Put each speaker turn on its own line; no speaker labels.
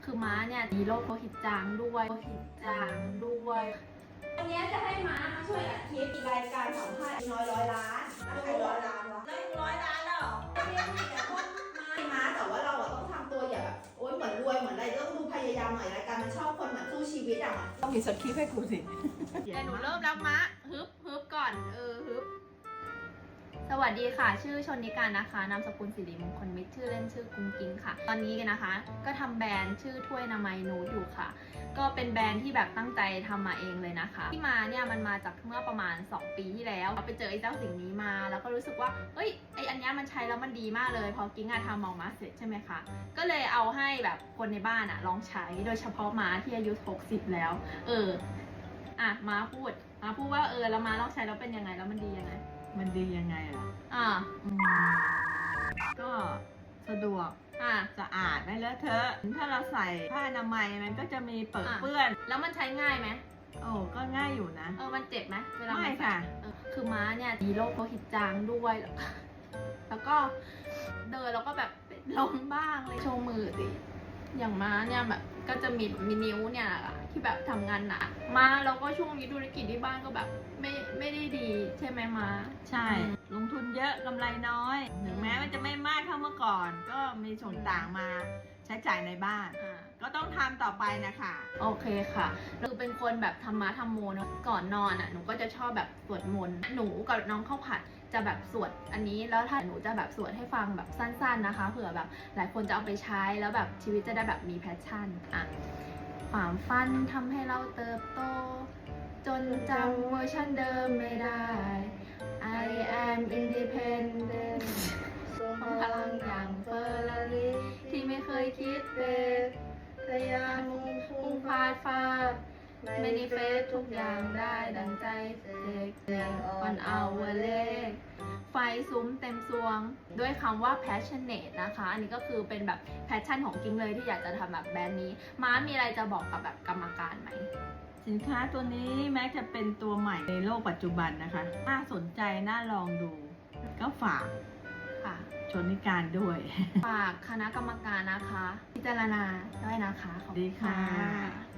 คือม้าเนี่ยมีโรคโลหิตจางด้วย
วันนี้จะให้ม้ามาช่วยอัดคลิปรายการสัมภาษณ์น้อยร้อยล้านใคร100 ล้านวะแล้ว100 ล้านแล้วเหรอไม่ได้มีแต่พวกม้าแต่ว่าเราต้องทำตัวอย่าแบบโอ๊ยเหมือนรวยเหมือนอะไรต้องดูพยายามหน่อยรายการมันชอบคนเหมือนสู้ชีวิตอ่ะ
ต้องมีสคริปต์ให้กูสิ
แต่หนูเริ่มแล้วม้าฮึบก่อนฮึบสวัสดีค่ะชื่อชนนิการนะคะนามสกุลสิริมงคลมิตรชื่อเล่นชื่อกุ้งกิ้งค่ะตอนนี้นะคะ ก็ทำแบรนด์ชื่อถ้วยนามัยนูดอยู่ค่ะก็เป็นแบรนด์ที่แบบตั้งใจทำมาเองเลยนะคะที่มาเนี่ยมันมาจากเมื่อประมาณ2 ปีที่แล้วไปเจอไอ้เจ้าสิ่งนี้มาแล้วก็รู้สึกว่าเฮ้ยไออันนี้มันใช้แล้วมันดีมากเลยพอกิ้งทำออกมาเสร็จใช่ไหมคะก็เลยเอาให้แบบคนในบ้านลองใช้โดยเฉพาะม้าที่อายุ60แล้วม้าพูดว่าแล้วม้าลองใช้แล้วเป็นยังไงแล้วมันดียังไง
มันดียังไงล่ะก็สะดวกสะอาดไม่เลอะเทอะถ้าเราใส่ผ้าอนามัยมันก็จะมีเปื้อน
แล้วมันใช้ง่ายไหม
โอ้ก็ง่ายอยู่นะ
มันเจ็บไหมเวลา
ไม่ค่ะ
คือม้าเนี่ยมีโรคโลหิตจางด้วยแล้วก็เดินแล้วก็แบบล้มบ้างเลยโชว์มือสิอย่างม้าเนี่ยแบบก็จะมีนิ้วเนี่ยที่แบบทำงานหนักม้าแล้วก็ช่วงนี้ธุรกิจที่บ้านก็แบบไม่ได้ดีใช่ไหมม้า
ใช่ลงทุนเยอะกำไรน้อยถึงแม้มันจะไม่มากเท่าเมื่อก่อนก็มีส่วนต่างมาใช้จ่ายในบ้านก็ต้องทำต่อไปนะคะ
โอเคค่ะคือเป็นคนแบบธรรมะธรรมโมเนาะก่อนนอนหนูก็จะชอบแบบสวดมนต์หนูกับน้องข้าวผัดจะแบบสวดอันนี้แล้วถ้าหนูจะแบบสวดให้ฟังแบบสั้นๆนะคะเผื่อแบบหลายคนจะเอาไปใช้แล้วแบบชีวิตจะได้แบบมีแพชชั่นความฝันทำให้เราเติบโตจนจำเวอร์ชันเดิมไม่ได้ I am independent พลังอย่างเฟอร์รารี่ที่ไม่เคยคิดเป็นพยายามพุ่งพาดไม่ได้เฟซทุกอย่างได้ดังใจเด็กon our leg ไฟซุ้มเต็มซวงด้วยคำว่า passionate นะคะอันนี้ก็คือเป็นแบบ passion ของกิ้งเลยที่อยากจะทำแบบแบรนด์นี้ม้ามีอะไรจะบอกกับแบบกรรมการไหม
สินค้าตัวนี้แม้จะเป็นตัวใหม่ในโลกปัจจุบันนะคะน่าสนใจน่าลองดูก็ฝากชนนิการด้วย
ฝากคณะกรรมการนะคะพิจารณาด้วยนะคะขอบคุณ
ค่ะ